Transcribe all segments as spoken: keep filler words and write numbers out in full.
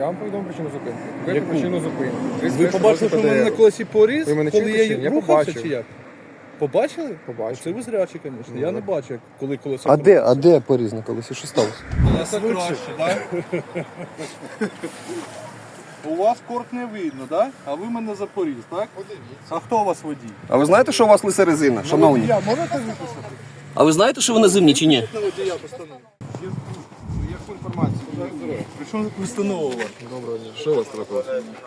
Я вам повідомив причину зупинки. Ви Яку? причину зупинки. Ви побачили, що в мене на колесі поріз, Ви мене коли чуєте я чи ні? Я рухався, побачив. чи як? Побачили? Побачив. Це ви зрячі, звісно. Ну, Я так. не бачу, як- коли колесо. А де, а де поріз на колесі? Що сталося? Це краще, так? У вас корт не видно, так? А ви мене за поріз, так? А хто у вас водій? А ви знаєте, що у вас лиса резина, шановні? Я можете виписати? А ви знаєте, що ви на зимні чи ні? На водія постанову. Яку інформацію? При чому тут постанова у вас? Доброго дня. Що у вас трапилось?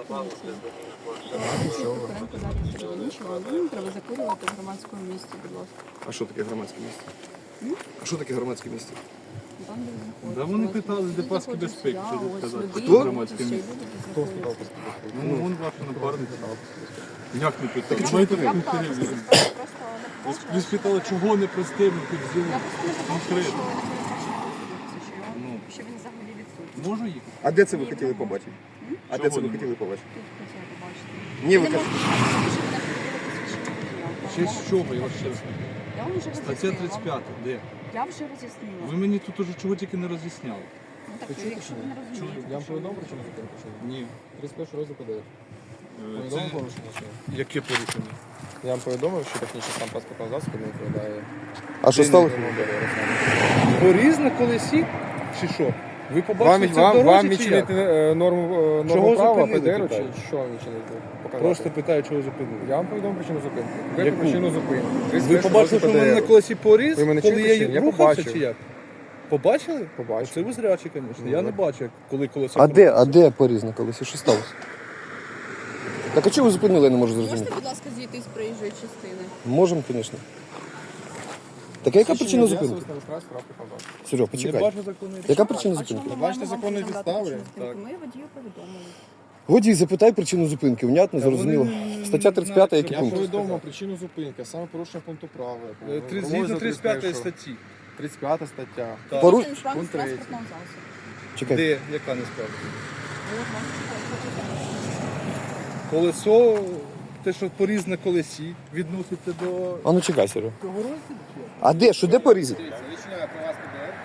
Треба закурювати в громадському місці, будь ласка. А що таке громадське місце? А що таке громадське місце? Там, де ви знаходитесь. Да вони питали, де паски Тут безпеки, знаходжусь що я, тут ось сказати. водій, Хто? ось Громадське ще й місце. люди, Хто які сказав? знаходяться. Ну, вон ваша напарниця. Як не питали? Я Знаєте, я ми питала, перевіримо. просто просто не побачила. Ви спитали, чого не пристебнути Я взяли просто не побачила, що конкретно. ви не бачили, що його- Ну. що він взагалі відсутній. Можу їхати? А де це ви хотіли побачити? А де це ви Чого хотіли побачити? Тут хотіла побачити. Ні, ви Ви не кажете. можете сказати, що ви не хотіли посвідчення водія. Ще з чого, я вас ще раз кажу. Я вам вже Стаття роз'яснила. тридцять п'ята, де? Я вже роз'яснила. Ви мені тут уже чого тільки не роз'ясняли. Ну, так, якщо ви не розумієте, Я вам що повідомив ви причину зупинки чи ні? Ні. тридцять перший розділ ПДР. Це... Повідомив порушення чи ні? Яке порушення? Я вам повідомив, що технічний стан паспортного засобу не відповідає. А що сталося? Поріз на колесі? Чи що? Ви Вам, побачили це в вам, вам дорозі, чи відчинити як? е, норму, е, Чого норму права зупинили, ПДР, чи питаю? що вам відчинити? Показати. Просто питаю, чого зупинили. Я вам повідомив причину зупинки. Ви Яку? причину зупинки. Ви тридцять перший побачили, що в розділ мене на ПДР. колесі поріз, Ви мене коли чуєте чи я ні? Я рухався, побачив. чи як? Побачили? Побачив. Це ви зрячі, звісно. Ну, Я не так. бачу, як- коли колесо А де, а крутиться. де поріз на колесі? Що сталося? Так а чого ви зупинили, я не можу зрозуміти. Можете, будь ласка, зійти з проїжджої частини? Можемо, звісно. Так а яка причина зупинки? Серега, Не почекай. бачу законної Яка причина А чому зупинки? ми Бачите маємо вам законні повідомляти підстави? причину зупинки? Ми водію повідомили. Водій, запитай причину зупинки, внятно, зрозуміло. вони Стаття тридцять п'ята, який Я пункт? повідомив причину зупинки, а саме порушення пункту права. Е, три- Згідно тридцять п'ятої статті. тридцять п'ята стаття. Так. Пору- Це несправність пункт третій. транспортного засобу. Чекай. Де? Яка несправність? От, бачите, Колесо, те, що поріз на колесі, відноситься до А ну чекай, Серега. цього розділу? чи як? А де? Що де порізати? Відчиняю про вас ПДР.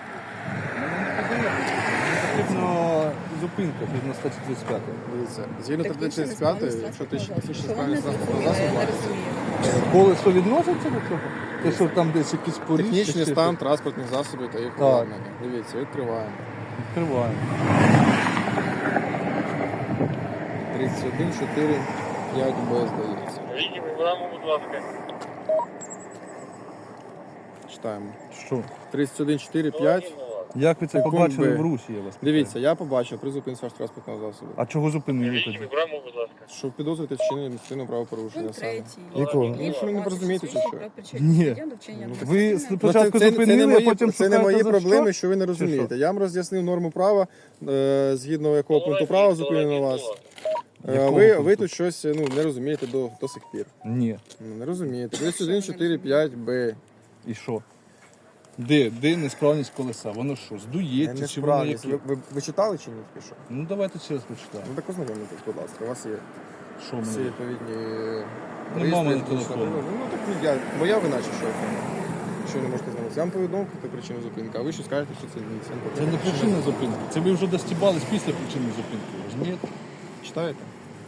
Потрібно зупинка згідно статті тридцять п'ятої. Дивіться, згідно Технічна статті тридцять п'ятої, несправність якщо ти транспортного технічна засобу. Що вам не справність транспортного зрозуміло, я засобу, не розумію. Колесо відноситься до цього? Те, що там десь якісь поріз? технічний чи стан що? транспортних засобів та їх Так. обладнання. Дивіться, відкриваємо. Відкриваємо. тридцять один чотири п'ять Б, здається. Віки, вибираємо, будь ласка. Читаємо. Що? тридцять один чотири п'ять. Як ви це Секунд побачили Б. в русі, я вас питаю? Дивіться, я побачив при зупинці вашого транспортного засобу. А чого зупинили Віки, тоді? вибираємо, будь ласка. Що підозрюєте вчинення адміністративного правопорушення Пункт саме. третій. Якого? Ну, що ви не розумієте, чи що? Ні. Ви спочатку Ну, це, це, це, зупинили, не а мої, потім це не шукаєте мої за проблеми, що? що ви не що? розумієте. Я вам роз'яснив норму права, е, згідно якого пункту права зупинено вас. Е, Якого ви, пункту? ви тут щось ну, не розумієте до, до сих пір. Ні. Ну, не розумієте. тридцять один чотири п'ять Б. І що? Де? Де несправність колеса? Воно що, здується, чи воно Несправність. яке? Ви, ви, ви читали чи ні? тільки що? Ну давайте ще раз почитаємо. Ну так ознайомитесь, будь ласка. У вас є Що всі мені? відповідні Нема в мене реєстри, телефону. Ну, ну так ну, я, моя вина чи що? Що ви не можете знати? Я вам повідомив про причину зупинки, а ви ще скажете, що це ні. Це не причина зупинки. Це ви вже достібались після причини зупинки. Розумієте? Читаєте?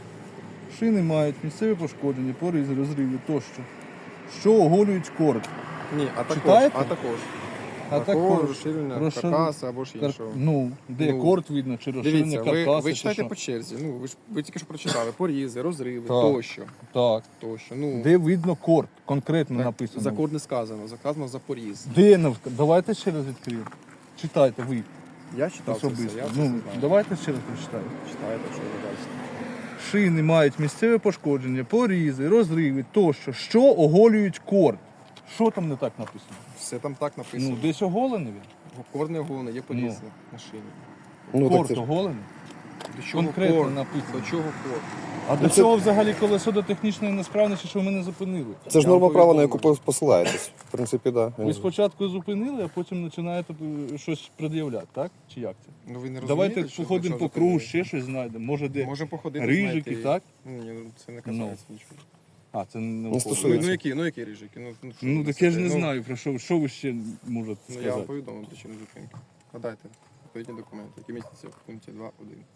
Шини мають місцеві пошкодження, поризи, розриви тощо. Що оголюють корд. Ні, а також. Читаєте? А також. А також також розширення розшир- каркаса або ж Кар... іншого. Ну, де Ну, корд видно, чи розширення Дивіться, ви, каркаса, ви чи читаєте що? по черзі. Ну, ви ж ви тільки що прочитали. Порізи, розриви, Так. тощо. Так. тощо. Ну, Де видно корд? Конкретно так, написано. за код не сказано, сказано за поріз. Де нав... Давайте ще раз відкриємо. Читайте ви Я читав це все, особисто. я це Ну, все знаю. давайте ще раз прочитаємо. Читаєте, що ви бачите. Шини мають місцеве пошкодження, порізи, розриви тощо, що оголюють корд. Що там не так написано? Все там так написано. Ну, десь оголений він. Кор не оголений, є поріз Ну. на шині. Ну, так Корд це ж. оголений. До чого Конкретно кор? написано. До чого кор? А до цього взагалі колесо до технічної несправності, що ви мене зупинили. Це ж Я норма вам права, на яку повідомив. посилаєтесь. В принципі, так. Да. Ви спочатку зупинили, а потім починаєте е, щось пред'являти, так? Чи як це? Ну ви не розумієте, Давайте що- походимо що по кругу, зупинили? ще щось знайдемо. Може де Можемо походити, рижики, знаєте, і- так? Ні, ну це не касається нічого. А, це не Не виходить. Ну, стосується. ну які, ну які рижики? Ну, ну, що Ну ви так я ж не несете? Ну, знаю, про що, що ви ще можете Ну, я вам сказати. повідомив причину зупинки. Надайте відповідні документи, які містяться в пункті два один.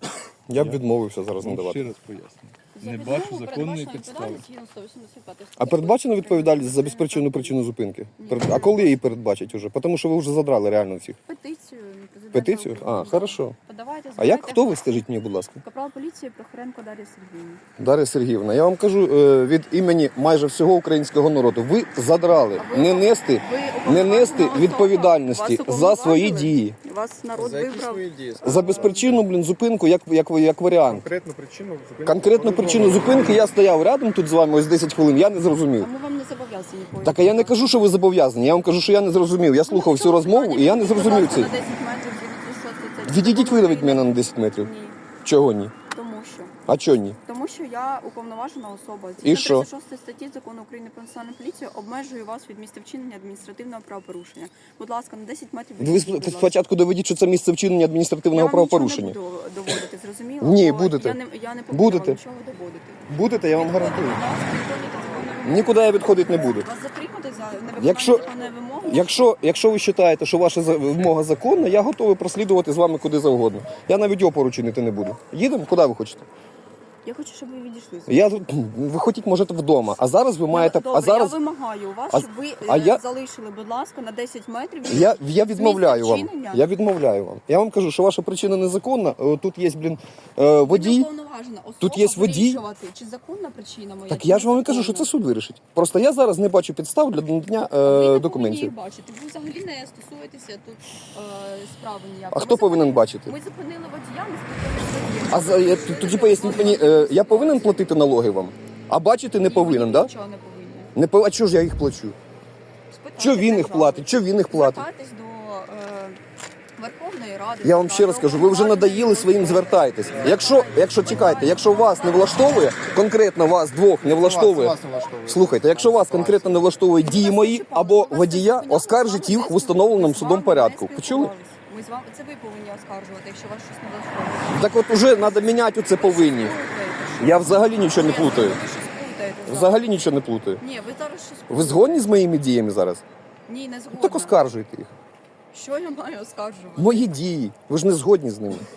Я б відмовився зараз Вам надавати. ще раз пояснюю. За Не відмову бачу законної передбачена підстави. відповідальність згідно сто вісімдесят п'ятої А передбачена відповідальність за безпричинну причину зупинки? Перед- А коли її передбачать уже? Тому що ви вже задрали реально всіх. Петицію. президента Петицію? А, України. хорошо. Подавайте, А як збирайте хто ви, гроші. скажіть мені, будь ласка? Капрал поліції Прохоренко Дар'я Сергіївна. Дар'я Сергіївна, я вам кажу е, від імені майже всього українського народу. Ви задрали А ви- не нести, Ви не уповноважена нести особа. відповідальності Вас за свої уповноважили? дії. Вас народ За які вибрав. свої дії? За безпричинну, блін, зупинку, як, як, як варіант. Конкретну причину зупинки. Конкретну причину зупинки я стояв рядом тут з вами ось десять хвилин, я не А зрозумів. ми вам не зобов'язані поїхати. Так, а я не кажу, що ви зобов'язані, я вам кажу, що я не зрозумів. Я слухав всю розмову і я не зрозумів це. На десять метрів відійдіть, що це- це Відійдіть ви закон від мене України. на десять метрів. Ні, Чого ні? тому що. А чого ні? Тому що я уповноважена особа. І що? тридцять шостої статті Закону України про національну поліцію обмежую вас від місця вчинення адміністративного правопорушення. Будь ласка, на десять метрів Ви відійдіть, будь ласка. спочатку доведіть, що це місце вчинення адміністративного Я вам правопорушення. нічого не буду доводити, зрозуміло? Ні, Бо будете. Я не, я не повинна Будете. вам нічого доводити. Будете, я вам Відходите, гарантую. будь ласка, виконуйте законні вимоги. Нікуди я відходити не буду. Вас затримати за невиконання Якщо- законної вимоги? Якщо, якщо ви вважаєте, що ваша за- вимога законна, я готовий прослідувати з вами куди завгодно. Я навіть опору чинити не буду. Їдемо? Куди ви хочете? Я хочу, щоб ви відійшли. Я тут ви хотіть, можете вдома. А зараз ви маєте. Добре, А зараз я вимагаю у вас, А- щоб ви а е, я- залишили, будь ласка, на десять метрів. від я, я відмовляю місця вам. вчинення. Я відмовляю вам. Я вам кажу, що ваша причина незаконна. О, Тут є, блін, е, Ви не водій. уповноважена особа Тут є водій. вирішувати, чи законна причина моя, Так чи я ж вам і кажу, що незаконна. це суд вирішить. Просто я зараз не бачу підстав для надання Ви не е, повинні документів. їх бачити. Ви взагалі не стосуєтеся тут е, справи ніякої. А Ми хто повинен зупинили- бачити? Ми зупинили водія, ми спитали. А за я- тоді поясніть мені, е, я повинен платити налоги вам? А бачити не повинен, так? Нічого не повинні. Не пов- А чого ж я їх плачу? Спитайте Що він їх державу. платить? Що він їх платить? Звертайтесь до е, Верховної Ради. Я вам ще раз кажу, ви вже надоїли своїм, звертайтесь. Якщо, якщо чекайте, якщо вас не влаштовує, конкретно вас двох не влаштовує. Вас не влаштовує. Слухайте, якщо вас конкретно не влаштовують дії мої або водія, оскаржіть їх в установленому судом порядку. Почули? Ми з вами це ви повинні оскаржувати, якщо вас щось не влаштовує. Так от уже треба міняти оце повинні. Плутаєте, що? Я взагалі нічого не Ні, плутаю. Ви щось плутаєте зараз. Взагалі нічого не плутаю. Ні, ви зараз щось Ви згодні з моїми діями зараз? Ні, не згодна. Так оскаржуйте їх. Що я маю оскаржувати? Мої дії. Ви ж не згодні з ними.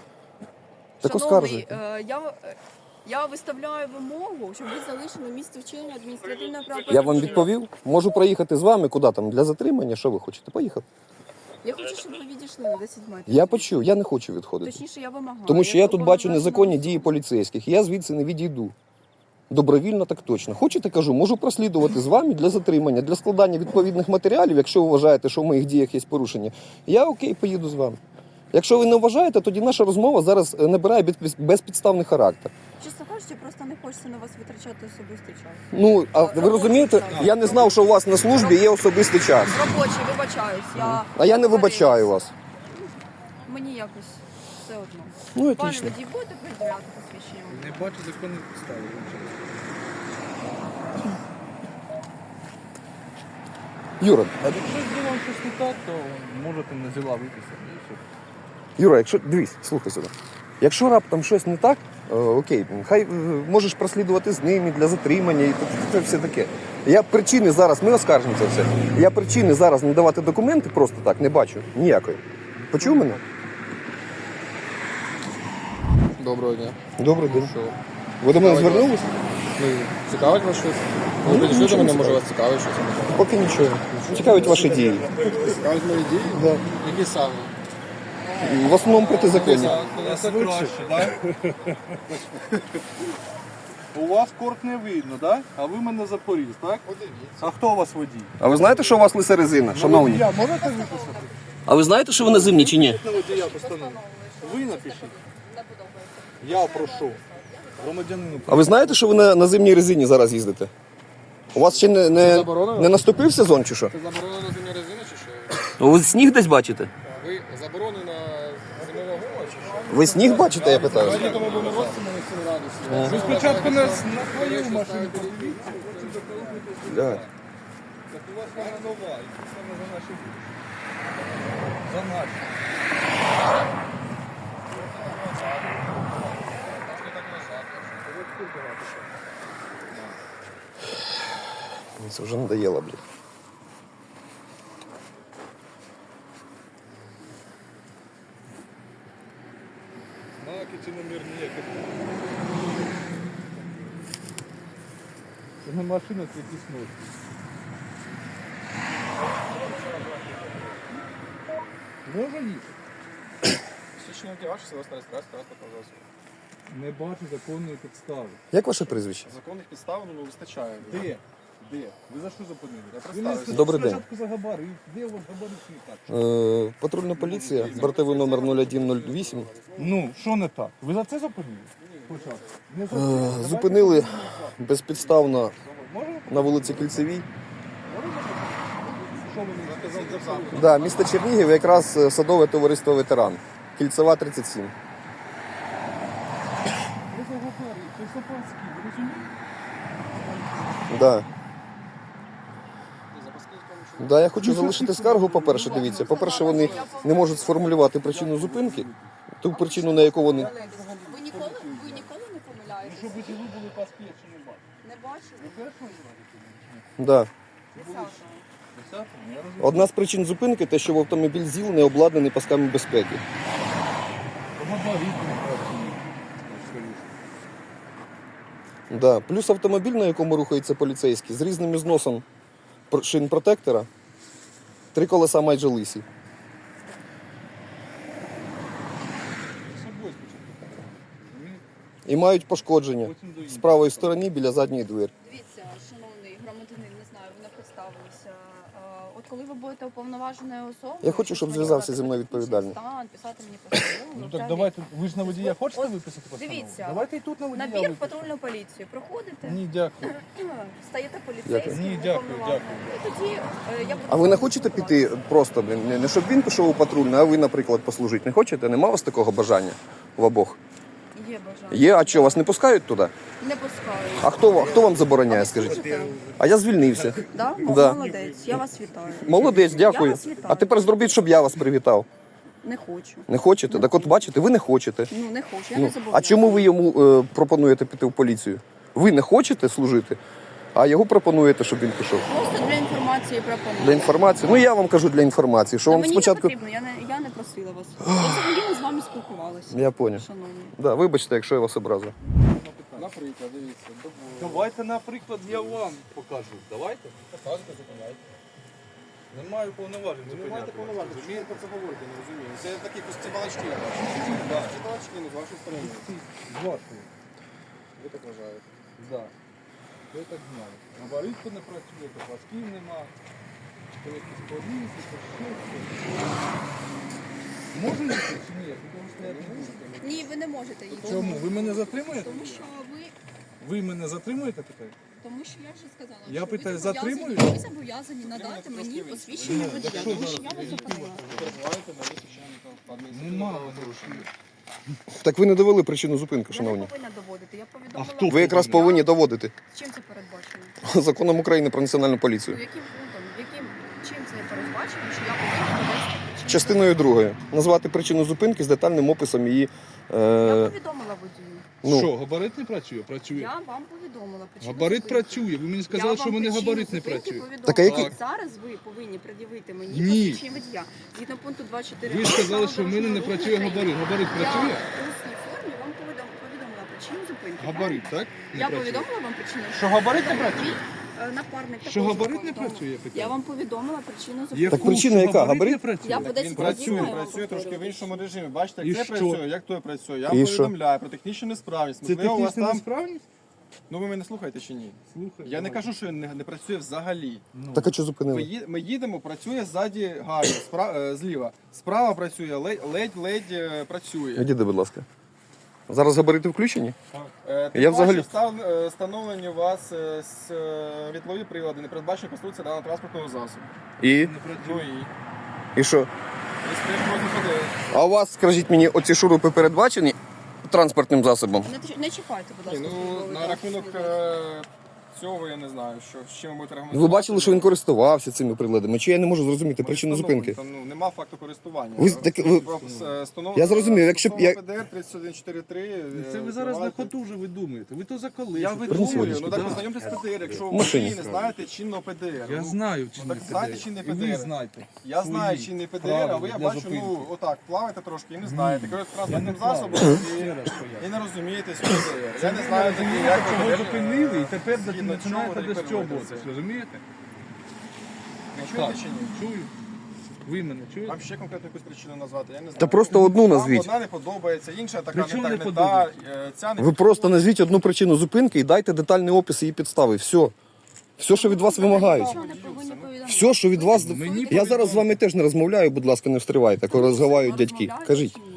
Так Шановний, оскаржуйте. е, я, е, я виставляю вимогу, щоб ви залишили місце вчинення адміністративного правопорушення. Я вам відповів. Можу проїхати з вами куди там для затримання. Що ви хочете? Поїхати. Я хочу, щоб ви відійшли на десять метрів. Я почув, я не хочу відходити. Точніше, я вимагаю. Тому що я тут бачу уповноважена незаконні особа. дії поліцейських. Я звідси не відійду. Добровільно так точно. Хочете, кажу, можу прослідувати з вами для затримання, для складання відповідних матеріалів, якщо ви вважаєте, що в моїх діях є порушення. Я окей, поїду з вами. Якщо ви не вважаєте, тоді наша розмова зараз е, набирає без- безпідставний характер. Чесно кажучи, просто не хочеться на вас витрачати особистий час. Ну, а ви розумієте, я не знав, що у вас на службі є особистий час. Робочий, вибачаюсь. Я А я не вибачаю вас. Мені якось все одно. Ну, Пане отлично. водій, будете перевіряти посвідчення? Не бачу законних підстав. Юра, А якщо з ділом щось не так, то можете на зіла виписати. і все. Юра, якщо дивись, слухай сюди. Якщо раптом щось не так, е, окей, хай е, можеш прослідувати з ними для затримання і це, це все таке. Я причини зараз, ми оскаржимо це все. Я причини зараз не давати документи просто так не бачу ніякої. Почув мене? Доброго дня. Добрий день. Що? Ви до мене Цікавить вас? звернулися? Ну, цікавить вас щось? Ви Ну, підійшли до нічого мене, не може вас цікавить щось? Поки нічого. Цікавить ваші дії. Цікавить мої дії? Да. Які саме? В основному протизаконні. Це краще, так? У вас корт не видно, так? А ви мене запоріз, так? А хто у вас водій? А ви знаєте, що у вас лиса резина, шановні? Я можете виписати? А ви знаєте, що ви на зимні чи ні? На водія постанову. Ви напишіть. Я прошу. Громадянину. А ви знаєте, що ви на, на зимній резині зараз їздите? У вас ще не, не, заборонено? не наступив сезон чи що? Це заборонено зимня резина чи що? Ви сніг десь бачите? Ви заборонена зимова гума чи що? Ви сніг бачите, я питаю? Сьогодні тому були розстріли на сім градусів. Ви спочатку нас на твою машину подивіться. Да. Так у вас вона нова, і це саме за наші гроші. За наші. Мені це вже надоело, блін. Знаки чи номер ніяких На машина це якісь ночі. Можу їхати? Свідчення водія ваше, село Старе Страсть, транспортного засобу. Не бачу законної підстави. Як ваше прізвище? Законних підстав ну, вистачає. Де? Де? Ви за що зупинили? Я Ви не представився. Добрий день. спочатку за габарит. Де у вас габаритний так? Е, патрульна поліція, бортовий номер нуль один нуль вісім. Ну, що не так? Ви за це зупинили? Спочатку. Не за Е, це. зупинили безпідставно Можемо? на вулиці Кільцевій. Що ви не сказали? Да, місто Чернігів, якраз е, садове товариство ветеран. Кільцева тридцять сім. Ви за габарит. Ви запаски. Ви розумієте? Да. Да, я хочу залишити скаргу, по-перше, дивіться. По-перше, вони не можуть сформулювати причину зупинки, ту причину, на яку вони. Ви ніколи, ви ніколи не помиляєтесь? Щоб ви були паспорт чи не бачили? Не бачили? Першого разу? Да. Десятого. Десятого? Я розумію. Одна з причин зупинки те, що в автомобіль ЗІЛ не обладнаний пасками безпеки. Габарит не працює. Скоріше. Да. Плюс автомобіль, на якому рухається поліцейський, з різним зносом пр- шин протектора, три колеса майже лисі. З собою спочатку. Розумієте? І мають пошкодження Потім до з іншого. правої сторони біля задньої двері. Дивіться, шановний громадянин, не знаю, ви не представилися. А, От коли ви будете уповноваженою особою... Я хочу, щоб щось зв'язався мені зі мною надати відповідальний. стан, писати мені постанову. Ну взагалі. так давайте, ви ж на водія хочете От виписати постанову? дивіться, Давайте і тут на водія Набір в випишемо. патрульну поліцію. Проходите, Ні, дякую. стаєте поліцейським, Ні, дякую, уповноваженим. І тоді е, я буду... А ви не хочете піти просто, блін, не- не щоб він пішов у патрульну, а ви, наприклад, послужити? Не хочете? Нема у вас такого бажання в обох? Є бажання. Є, а що, вас не пускають туди? Не пускаю. А хто, ва- хто вам забороняє, скажіть? Слухайте, А я звільнився. да? Да. Молодець, я вас вітаю. Молодець, дякую. Я вас вітаю. А тепер зробіть, щоб я вас привітав. Не хочу. Не хочете? Так от бачите, ви не хочете. Ну, не хочу, я Ну, не забуду. а чому ви йому е, пропонуєте піти в поліцію? Ви не хочете служити, а його пропонуєте, щоб він пішов. Просто для інформації пропоную. Для інформації? Ну я вам кажу для інформації, що Та вам мені спочатку. не потрібно, я не, я не просила вас. Я взагалі не з вами спілкувалася. Я поняв. Шановні. Да, вибачте, якщо я вас образив. Наприклад, дивіться, добу. Давайте, наприклад, я вам покажу. Давайте. Показуйте, зупиняйте. Не маю повноважень Ви не маєте зупиняти. повноважень, що ви про це говорите, не розумію. Це такі пусті балачки. Да, ці балачки, ну, з вашої сторони. З вашої. Ви так вважаєте. Да. Ви так знаєте. Габаритку не працює, то пасків нема. То якісь поліси, то ще щось. Можу їхати чи ні? Тому що я не можу. Ні, ви не можете їхати. Чому? Ви мене затримуєте? Тому що ви... Ви мене затримуєте таке? Тому що я вже сказала, Я що питаю, ви зобов'язані- затримують? ви зобов'язані надати мені посвідчення водія, тому що я вас зупинила. Перебуваєте на височенні Нема. адміністративного Так ви не довели причину зупинки, Я не шановні. повинна доводити, я повідомила... А хто? Ви якраз повинні доводити Чим це передбачено? законом України про національну Ну, поліцію. яким пунктом, яким, чим це передбачено, що я повинна довести причину? Частиною другою. Назвати причину зупинки з детальним описом її. Я Е, повідомила водію. ну, Що, габарит не працює? Працює. Я вам повідомила причину Габарит зупинки. працює. Ви мені Я сказали, що вам в мене причину габарит не зупинки працює. повідомила. Так, а який- Зараз ви повинні пред'явити мені Ні. посвідчення водія. Згідно пункту двадцять чотири. Ви ж сказали, що в мене не працює габарит. Габарит Я працює? в усній формі вам повідом- повідомила причину зупинки. Габарит, правильно? так? Не Я працює. повідомила вам причину. Що габарит не працює? Мій, е, Напарник Що також габарит не повідомив. працює, я питаю? Я вам повідомила причину зупинки. Яку? Так причина Що яка? Габарит? не працює? Я по Він десять разів працює, маю вам працює трошки в повторювати. іншому режимі. Бачите, І як це що? працює, як той працює. Я І вам що? повідомляю про технічну несправність. Це Можливо, у вас технічна там... несправність? Ну ви мене слухаєте чи ні? Слухай. Я не давай. кажу, що не, не працює взагалі. Ну. так а що Ми, зупинили? ї- ми їдемо, працює ззаді гарно, спра... е, зліва. Справа працює, ледь- ледь-ледь е, працює. Відійди, будь ласка. Зараз габарити включені? Е, тим Я паче, взагалі- встав- е, встановлені у вас е, с- е, світлові прилади, не передбачена конструкція даного транспортного засобу. І? Не Ну працює. і? І що? Ви стоїть просто подивитися. А у вас, скажіть мені, оці шурупи передбачені транспортним засобом? Не, ч- не чіпайте, будь Ні, ласка. ну, службовий на рахунок транспорт. е, цього я не знаю, що, з чим ви будете Ви аргументувати. бачили, що він користувався цими приладами? Чи я не можу зрозуміти причину зупинки? Там ну, нема факту користування. Ви так- ви- Е, встанов- Я зрозумів, якщо б я- ПДР тридцять один чотирьдесят три. Це ви зараз на ходу вже видумуєте. Ви то за коли? Я Принеси видумую, водички. ну так Да. познайомтесь з ПДР, якщо ви В машині. не знаєте чинного ПДР. Я Ну, знаю, чи ну, не так знаєте, ПДР. чи не І ви ПДР. знаєте. Я знаю свої чинний ПДР, правила а ви я для бачу, зупинки. ну отак, плаваєте трошки і не знаєте. Керуєте Я не транспортним плаваю. засобом Ще і, раз поясню. і не розумієте, що ПДР. Я не Ви знаю, розумієте, як чого ПДР. зупинили, і тепер Згідно на починаєте чому десь тепер чоботись, робиться? розумієте? Ви Так, чуєте чи ні? чую. Ви мене чуєте? Вам ще конкретну якусь причину назвати, я не знаю. Та просто одну Вам назвіть. одна не подобається, інша така Причому не не так не та, подобається? е, ця не Ви просто назвіть одну причину зупинки і дайте детальний опис її підстави. Все. Все, що від вас вимагають. Нічого не повинні повідомляти. Все, що від вас. Мені Я зараз з вами теж не розмовляю, будь ласка, не встрівайте, коли розмовляють дядьки. Розмовляють Кажіть. чи ні?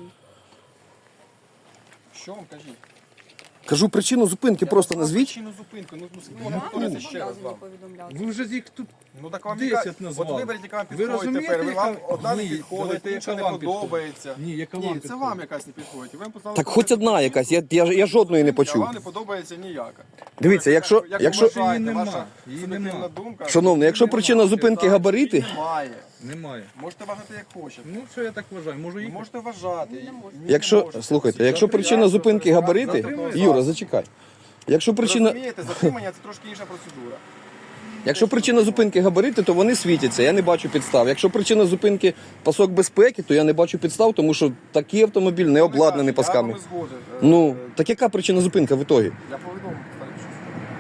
Що вам кажіть? Кажу причину зупинки, просто Я вам назвіть. причину зупинки, ну, ну, ну, Вам не не повторюйте ще раз зобов'язані вам. повідомляти. Ви вже їх тут Ну так вам десять яка- назвали. От виберіть, яка вам Ви підходить розумієте, тепер. Ви вам яка- одна не Ні, підходить, давайте, інша яка не вам підходить? подобається. Ні, яка Ні, вам це підходить? вам якась не підходить. Ви поставили Так хоч одна якась, я, я, я жодної не А почув. вам не подобається ніяка. Дивіться, Як- якщо- як якщо- ви вважаєте, Її нема, ваша її суб'єктивна нема. думка. Шановний, якщо Немає, причина зупинки так, габарити- її Немає. немає. Можете вважати як хочете. Ну, що я так вважаю, можу їхати? Можете вважати. Не можете. Ні, не Якщо, можете. слухайте, якщо Завтра причина я зупинки завтра габарити, завтра Юра, зачекай. Якщо Ви причина, розумієте, затримання це трошки інша процедура. якщо причина зупинки габарити, то вони світяться, я не бачу підстав. Якщо причина зупинки пасок безпеки, то я не бачу підстав, тому що такий автомобіль не обладнаний пасками. Я вам згоден. Е, Ну, е, так яка причина зупинки в ітогі? Я повідомив. старий, що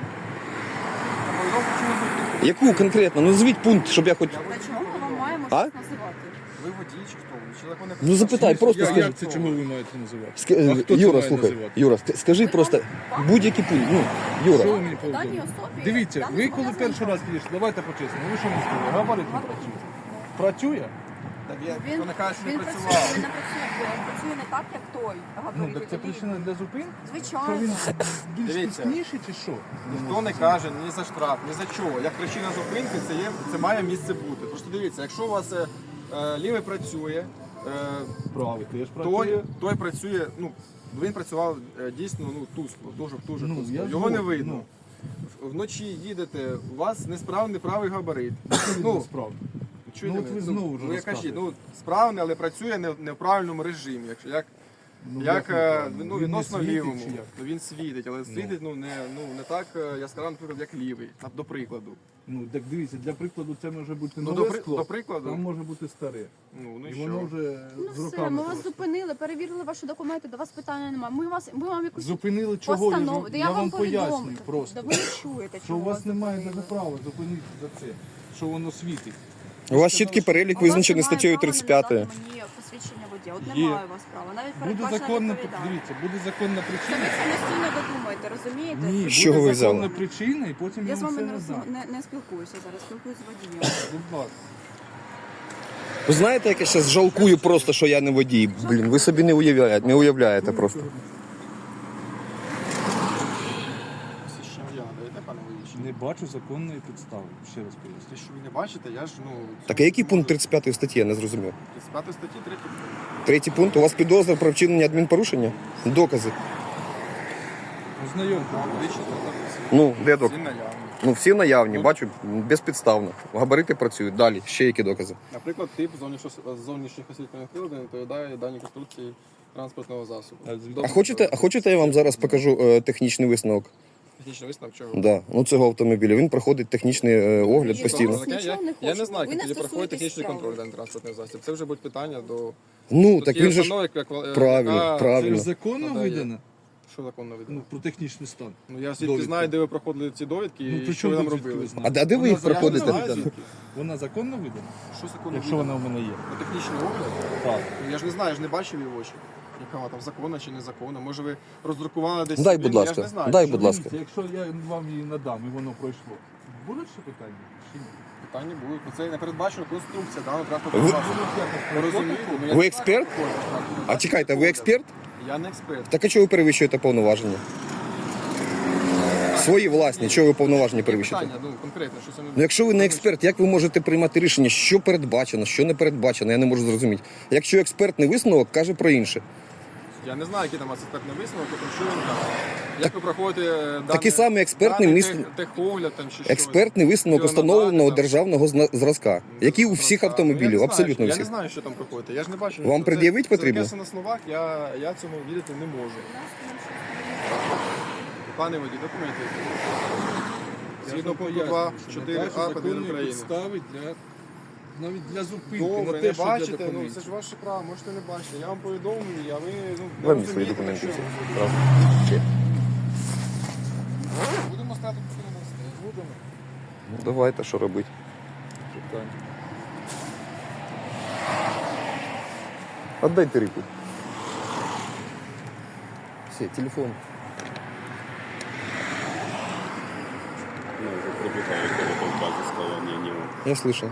Я повідомив причину зупинки. Яку конкретно? Ну, назвіть пункт, щоб я хоч. Я Для водій чого ми вам повідомив. маємо А? щось називати? Ви водій чи хто? Ви чоловік не Ну, запитай, просто Я- скажи. Як це чому ви маєте називати? Ск- А хто це Юра, має слухай, називати? Юра, ск- скажи просто будь-який пункт. Ну, Що Юра, ви мені Даній повідомили? особі Дивіться, я не ви коли зобов'язана перший раз підійшли, давайте по-чесному, ви що мені сказали? Габарит не працює. Працює? Так я Він, хто не каже, що не він працює, працював. він не працює, він працює не так, як той Ну, габарит. так це який- причина для зупинки? Що Звичайно. він більш Дивіться. пісніший чи що? Ніхто не каже ні за штраф, ні за чого. Як причина зупинки, це є, це має місце бути. Просто дивіться, якщо у вас е, е, лівий працює, е, Правий теж той, той працює, ну він працював е, дійсно ну тускло, дуже дуже Ну, тускло. я Його не згоден, видно. В- Вночі їдете, у вас несправний правий габарит. Ну, справді. чуєте Ну, от мене? ви знову вже ну, я кажіть, розказуєте. ну справний, але працює не, не в правильному режимі. Якщо як Ну, як не е, правильно? ну, Він не відносно світить лівому. чи як? Ну, він світить, але світить ну, не, ну, не так е, яскраво, наприклад, як лівий, на- до прикладу. Ну, так дивіться, для прикладу це може бути Ну, нове до, при- скло, до прикладу, там може бути старе. ну, ну і І що? воно вже Ну з все, роками ми вас просто. зупинили, перевірили ваші документи, до вас питання немає. Ми вас, ми вам якусь Зупинили чого? Я, постанову. ж- Да я вам пояснюю повідомлю. просто. Да ви не чуєте, Що чого у вас немає зупинили. навіть права зупинити за це, що воно світить. у вас чіткий перелік А у вас визначений немає статтею права тридцять п'ять. надати мені посвідчення водія. От Є. немає у вас права. Навіть Буде передбачена законна, відповідальність. дивіться, буде законна Це причина. ви самостійно додумаєте, розумієте? Ні, З чого ви буде взяли? законна причина і потім Я я з вам вами все не, не роз... дам. не, не спілкуюся зараз, спілкуюся з водієм. Будь ласка. Ви знаєте, як я зараз жалкую просто, що я не водій. Блін, ви собі не уявляєте, не уявляєте просто. Посвідчення водія надаєте, пане водій? Не бачу законної підстави. Ще раз поясню. Те, що ви не бачите, я ж, ну... Так а який пункт тридцять п'ятої статті, я не зрозумів. тридцять п'ятої статті, третій пункт. Третій пункт, у вас підозра про вчинення адмінпорушення? Докази. Ознайомте. Медичний запис. Ну, де доказ? Всі наявні. Ну, всі наявні, бачу, безпідставно. Габарити працюють. Далі, ще які докази. Наприклад, тип зовнішньох зовнішніх освітлювальних приладів не відповідає даній конструкції транспортного засобу. А звідки? А хочете, а хочете я вам зараз покажу е, технічний висновок? Технічний висновок чого? Да. Ну, цього автомобіля. Він проходить технічний е, огляд Ні, постійно. вас Я, нічого я, не я не хочу. знаю, Ви як не тоді проходить стосуєтесь технічний справи. контроль даний транспортний засіб. Це вже будуть питання до... Ну, Тут так є він же ж установа, яка- яка- правильно, Це правильно. ж законно Надає. видано? Що законно Ну, відомо? про технічний стан. Ну, я звідки довідка. знаю, де ви проходили ці довідки Ну, і при що чому ви там тут звідки робили. ви знаєте? А де- а де ви їх Вона законно проходите? видана? Звідки? Вона законно видана? Що законно Якщо відомо? вона в мене є. На технічний огляд? Так. Ну, я ж не знаю, я ж не бачив її очі. Яка вона там законна чи незаконна. Може ви роздрукували десь... Дай, собі, будь ну, ласка, Я ж не знаю. дай, Що будь ви- ласка. Дивіться, якщо я вам її надам і воно пройшло, будуть ще питання? Чи ні? Питання будуть. Бо це не передбачена конструкція даного Ви- транспортного засобу. Ви розумієте? Ну, я Ви не експерт? знаю, А чекайте, ви експерт? Я не експерт. Так а чого ви перевищуєте повноваження? Свої власні, чого ви повноваження перевищуєте? Питання, ну, конкретно, що це не... Ну, якщо ви не експерт, як ви можете приймати рішення, що передбачено, що не передбачено, я не можу зрозуміти. Якщо експертний висновок каже про інше. Я не знаю, який там у вас експертний висновок, тому що він каже. Як ви проходите даний, Такий самий експертний даний міс- тех, техогляд там чи що? Експертний висновок Його установленого надати, там, державного зна- зразка, який у всіх зразка. Ну, я автомобілів, не знаю, абсолютно що- Я не всіх. знаю, що там проходите. Я ж не бачу. Вам Це- пред'явить це потрібно? таке на словах, я, я цьому вірити не можу. Пане водій, документи. Згідно пункту два, чотири а Кодексу України. підстави для навіть для зупинки, Добре, на не те, що для бачите, ну документів. це ж ваше право, можете не бачити. Я вам повідомлю, а ви ну, не Дай мені свої розумієте, документи. на що. всі. Будемо стати поки не Давайте, що робити. Питань. Отдайте Рику. Все, телефон. Ну, уже пробегает кто-то в базе, сказал, не, не он. Я слышал.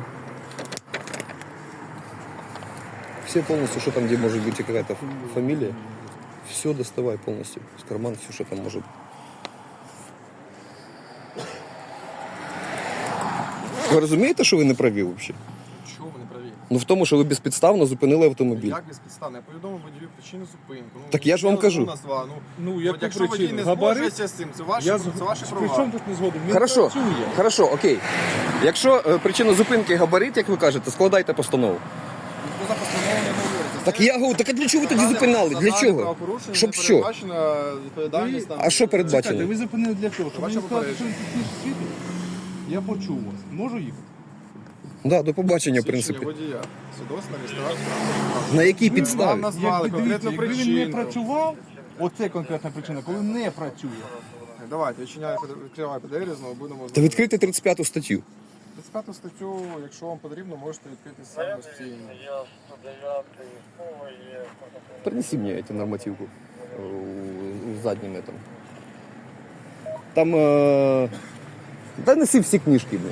Все полностью, что там, где может быть какая-то фамилия, все доставай полностью из кармана, все, что там может. Ви розумієте, що ви не праві взагалі? Чого ви не праві? Ну в тому, що ви безпідставно зупинили автомобіль. Як безпідставно? Я повідомив водію причину зупинку. Ну, Так я ж вам я кажу. Назва. Ну, Ну, от яку якщо водій причину? не Габарит? згоджується з цим, це ваші, Я це ваші При чому права. тут не згодом? Він Хорошо, працює. хорошо, окей. Якщо е, причина зупинки габарит, як ви кажете, складайте постанову. Ніхто за постанову не говорить. Так я говорю, так а для чого ви тоді зупиняли? Для чого? Щоб що? Передбачена відповідальність там. А що Чекайте, передбачено? ви зупинили для чого? Щоб Ваше мені сказати, що попередження. він технічний світ? Я почув вас. Можу їхати? Да, до побачення, в Свідчення принципі. водія. Свідоцтво реєстрацію. На якій Вам підставі? назвали Якби, конкретну дивіться, якби він не причину. працював, оце конкретна причина, коли не працює. Давайте, відчиняю, відкриваю пі ді ар, знову будемо... Та відкрити тридцять п'яту статтю. тридцять п'яту статтю, якщо вам потрібно, можете відкрити самостійно. Я сто дев'ятий, слово є. Принеси мне эту нормативку э, в заднем этом. Там... Э... Да неси всі книжки, блин.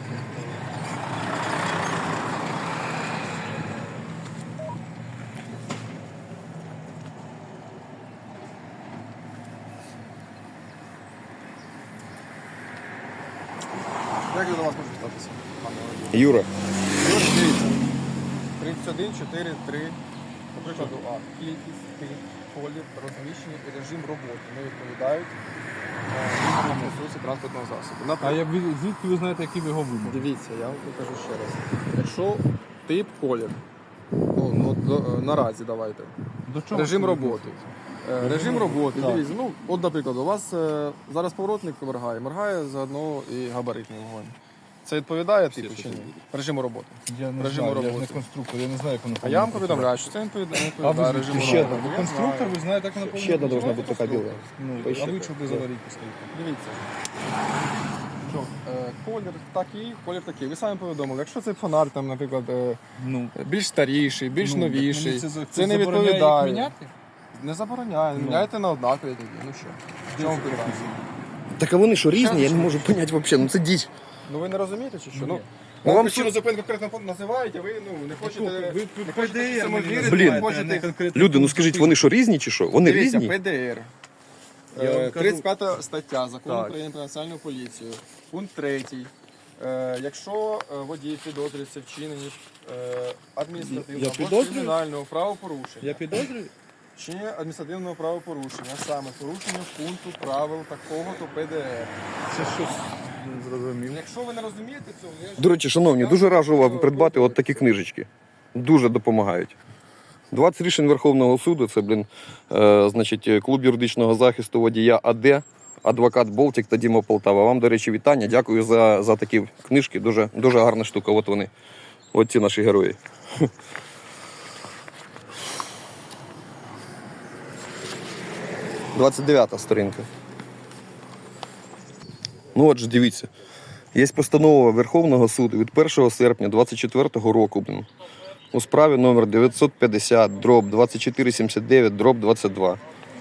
Як я до вас можу статися? пане водій? Юра, Ось дивіться. тридцять один, чотири, три. Наприклад, А. Кількість, тип, колір, розміщення і режим роботи не відповідають вимогам конструкції транспортного засобу. А Наприклад, я від- звідки ви знаєте, які ви його вимоги? дивіться, я вам покажу ще раз. Якщо тип, колір, ну, ну, до- наразі давайте. До чого Режим це роботи. Е, Режим роботи. Так. Дивіться, ну, от, наприклад, у вас е, зараз поворотник моргає, моргає заодно і габаритний вогонь. Це відповідає типу чи ні? Режиму роботи. Я не Режиму знаю, я ж не роботи. конструктор, я не знаю, як воно А я вам повинно повідомляю, що це не відповідає не А відповідає ви режиму ще роботи. ви Я конструктор, знаю. ви знаєте, як воно повинно ще одна должна працювати? бути така біла. Ну, Поїжджайте. а ви чого без аварійки стоїте? Дивіться. Що, е, колір такий, колір такий. Ви самі повідомили. Якщо цей фонар, там, наприклад, е, Ну, більш старіший, більш ну, так новіший, мені за- це не забороняє їх відповідає. міняти? Не забороняє, Ну. міняйте на однакові тоді. Ну що? В чому питання? так а вони що, різні? Я Що? не можу поняти взагалі, ну це діч. Ну ви не розумієте чи що? Ну, Ну, вам вам причину зупинки конкретно називають, а ви ну, не хочете, Ви не тут хочете ПДР цьому мені вірити, Блін. не називаєте, а не хочете... конкретно Люди, ну пункт скажіть, зупинки. вони що, різні чи що? Вони Дивіться, різні? пі ді ар. Я вам Е, кажу- тридцять п'ята стаття Закону Так. України про національну поліцію. Пункт третій. Е, Якщо е, водій підозрюється вчинені е, адміністративного Я або підозрюю? кримінального правопорушення, Я підозрюю? вчинення адміністративного правопорушення, а саме порушення пункту правил такого-то пі ді ар. Це щось не зрозумів. Якщо ви не розумієте цього, я ж- До речі, шановні, дуже раджу вам придбати от такі книжечки. Дуже допомагають. двадцять рішень Верховного суду, це, блін, е, значить, клуб юридичного захисту водія АД, адвокат Болтік та Діма Полтава. Вам, до речі, вітання. Дякую за, за такі книжки. Дуже, дуже гарна штука. От вони. От ці наші герої. двадцять дев'ята сторінка. Ну от же, дивіться. Є постанова Верховного суду від першого серпня двадцять четвертого року, блін, у справі номер дев'ятсот п'ятдесят дроб двадцять чотири сімдесят дев'ять дроб двадцять два,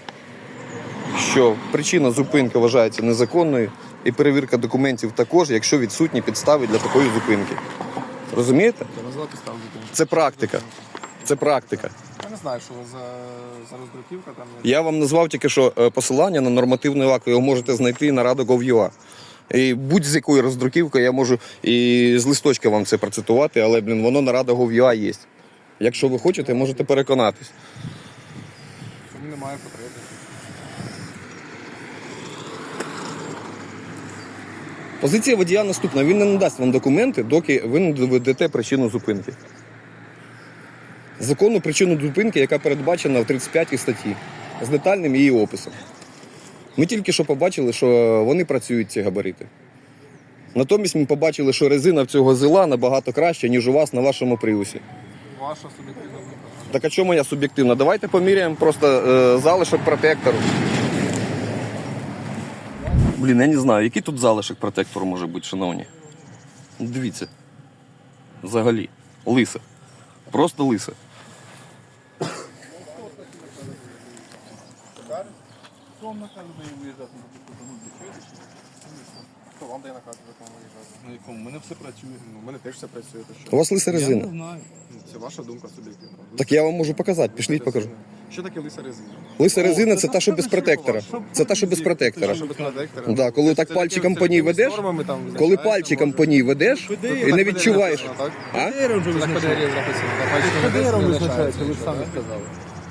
що причина зупинки вважається незаконною і перевірка документів також, якщо відсутні підстави для такої зупинки. Розумієте? Я назвав підставу зупинки. Це практика. Це практика. Я не знаю, що ви за, за роздруківка там. Я вам назвав тільки що е, посилання на нормативний акт, ви його можете знайти на рада точка гов точка ю а. І будь-з якої роздруківки я можу і з листочка вам це процитувати, але, блін, воно на рада точка гов точка ю а є. Якщо ви хочете, можете переконатись. Чому немає потреби? Позиція водія наступна. Він не надасть вам документи, доки ви не доведете причину зупинки. Законну причину зупинки, яка передбачена в тридцять п'ятій статті, з детальним її описом. Ми тільки що побачили, що вони працюють, ці габарити. Натомість ми побачили, що резина в цього зила набагато краща, ніж у вас на вашому приусі. Ваша суб'єктивна думка. Так а чому моя суб'єктивна? Давайте поміряємо просто е, залишок протектору. Блін, я не знаю, який тут залишок протектору може бути, шановні. Дивіться. Взагалі. Лисе. Просто лисе. Хто вам наказує виїжджати на таку дорогу? Чуєте? Хто вам дає наказ, в якому виїжджати? На якому? У мене все працює. Ну, у мене теж все працює, то що? У вас лиса Я резина. не знаю. Ну, Це ваша думка суб'єктивна. Так я вам можу показати, пішліть покажу. Що таке лиса резина? Лиса резина це це та, що без що протектора. по-вашому? Це та, що без протектора. Що без протектора? Да, коли Це- так це пальчиком такими- по ній це такими ведеш, нормами там Коли визначається, пальчиком може. по ній ведеш Куди? і Так не буде відчуваєш. написано, так? А? П Д Ром вже Так визначається. ПДР написано. так, пальчиком П Д ведеш, Ром не визначається, ви ж що, самі так? сказали.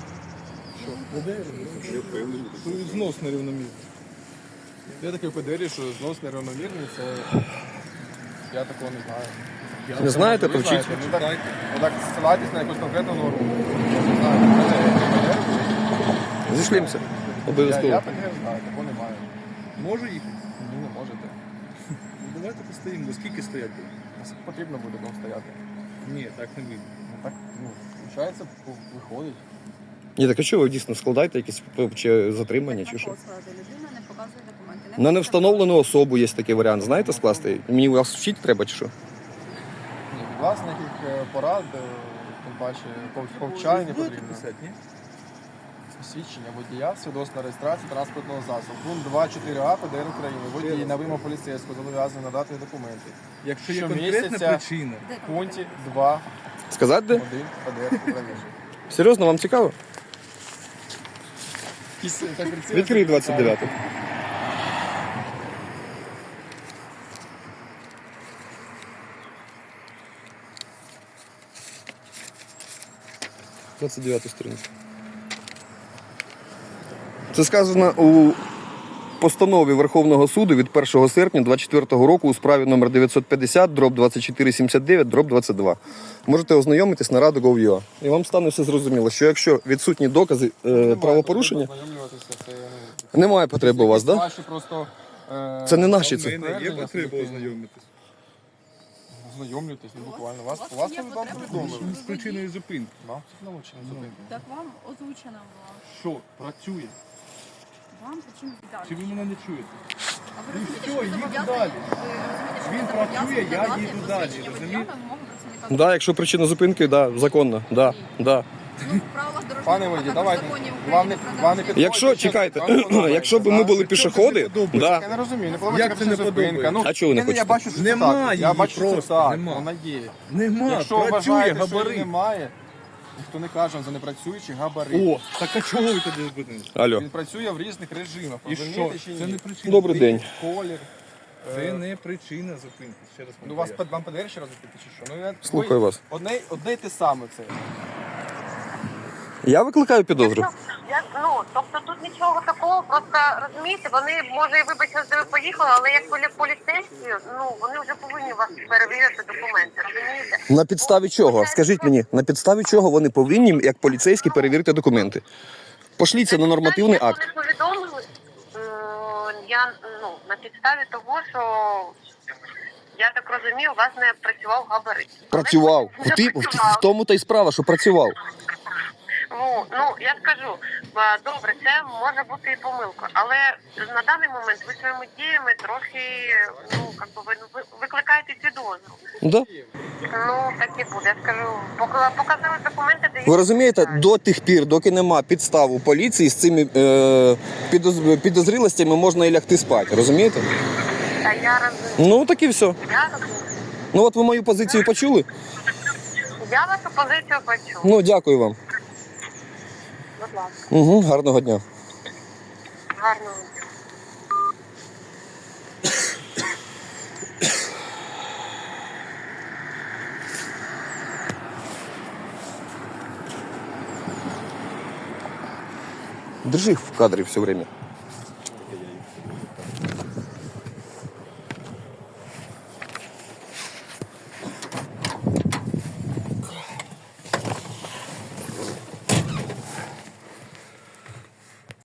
Я впевнений. Що знос нерівномірний. Я такий в ПДРі, що знос нерівномірний, це... Я такого не знаю. Не знаєте, Ви то вчіть. знаєте, ну так, ну так ссилайтесь на якусь конкретну норму. Не знаю, ПДР, ПДР, Зійшлімося. Я, я Обов'язково. ПДР знаю, такого немає. Може їхати? Ні, не можете. Ну, давайте постоїмо. До скільки стоять буде? Наскільки потрібно буде там стояти. Ні, так не вийде. Ну так, ну, виходить, виходить. Ні, так а що ви дійсно складаєте якісь чи затримання, чи що? Людина не показує документи. На невстановлену особу є такий варіант, знаєте, скласти? Мені вас вчити треба чи що? Ні, від вас ніяких е, порад, е, тим паче пов- повчань не Будете потрібно. писати, ні? Свідчення водія, свідоцтво реєстрації транспортного засобу. Пункт два чотири А ПДР України. Водій на вимогу поліцейського зобов'язаний надати документи. Якщо є Щомісяця- конкретна причина. В пункті два Сказати де? один ПДР України. Серйозно, вам цікаво? Відкрий двадцять дев'ятий. двадцять дев'яту сторінку. Це сказано у постанові Верховного суду від першого серпня двадцять четвертого року у справі номер дев'ятсот п'ятдесят дроб двадцять чотири сімдесят дев'ять дроб двадцять два. Можете ознайомитись на раду точка гов точка ю а. І вам стане все зрозуміло, що якщо відсутні докази е, правопорушення, немає потреби у вас, так? Да? Ваші просто... е, Це не наші У це. мене є підтвердження потреба суб'єктивні. ознайомитись. Ознайомлюйтесь, ну буквально. Вас, у вас вас є вам потреба повідомили. З причиною зупинки. Вам научили зупинку. Так вам озвучена була. Що? Працює. Вам причому Чи ви мене не чуєте? А ви Ну розумієте, все, що ви їду зобов'язані- далі. ви розумієте, що ви Він зобов'язані працює, я надати їду далі, посвідчення водія розумієте? на вимогу працівника Да, якщо причина зупинки, да, законно. Да, да. Ну, в правилах дорожнього Пане руху, водій, також давайте. законів Вам не- України про вам не дорожній рух. Якщо, чекайте, якщо б ми були пішоходи, да. Я не розумію, не Як подобається це не зупинка. подобається? Ну, А чого ви не я- хочете? Я бачу, що це Нема так. Я її бачу, що це просто, так. нема. Вона є. Нема, Якщо працює вважаєте, що її габарит. немає, ніхто не каже вам за непрацюючий габарит. О, так а чого ви тоді зупинились? Алло. Він працює в різних режимах. І Розумієте що? чи ні? Це не причина. Добрий день. Колір. Це Е, не причина зупинки. Ще раз Ну, вас поясню. вам ПДР ще раз відповідати, чи що? Ну, я, Слухаю ви- вас. Одне, одне й те саме це. Я викликаю підозру. Я, ну, тобто тут нічого такого, просто розумієте, вони, може, і вибачте, що ви поїхали, але як полі- поліцейські, ну, вони вже повинні у вас перевірити документи, розумієте? На підставі чого? Скажіть мені, на підставі чого вони повинні, як поліцейські, перевірити документи? Пошліться на нормативний Як акт. вони повідомили, м, я, ну, на підставі того, що, я так розумію, у вас не працював габарит. Але Працював. не В, ті, в, працював. в тому та й справа, що працював. Ну, ну, я скажу, а, добре, це може бути і помилка, але на даний момент ви своїми діями трохи, ну, як би ви, ви викликаєте підозру. Да? Ну, так і буде, я скажу, пока- показали документи, де Ви розумієте, до тих пір, доки нема підстав у поліції, з цими е, підоз- підозрілостями можна і лягти спати, розумієте? Та я розумію, Ну так і все. я розумію. Ну от ви мою позицію почули? Я вашу позицію почув, Ну, дякую вам. будь ласка, Угу, гарного дня. гарного дня. Держи в кадрі все время.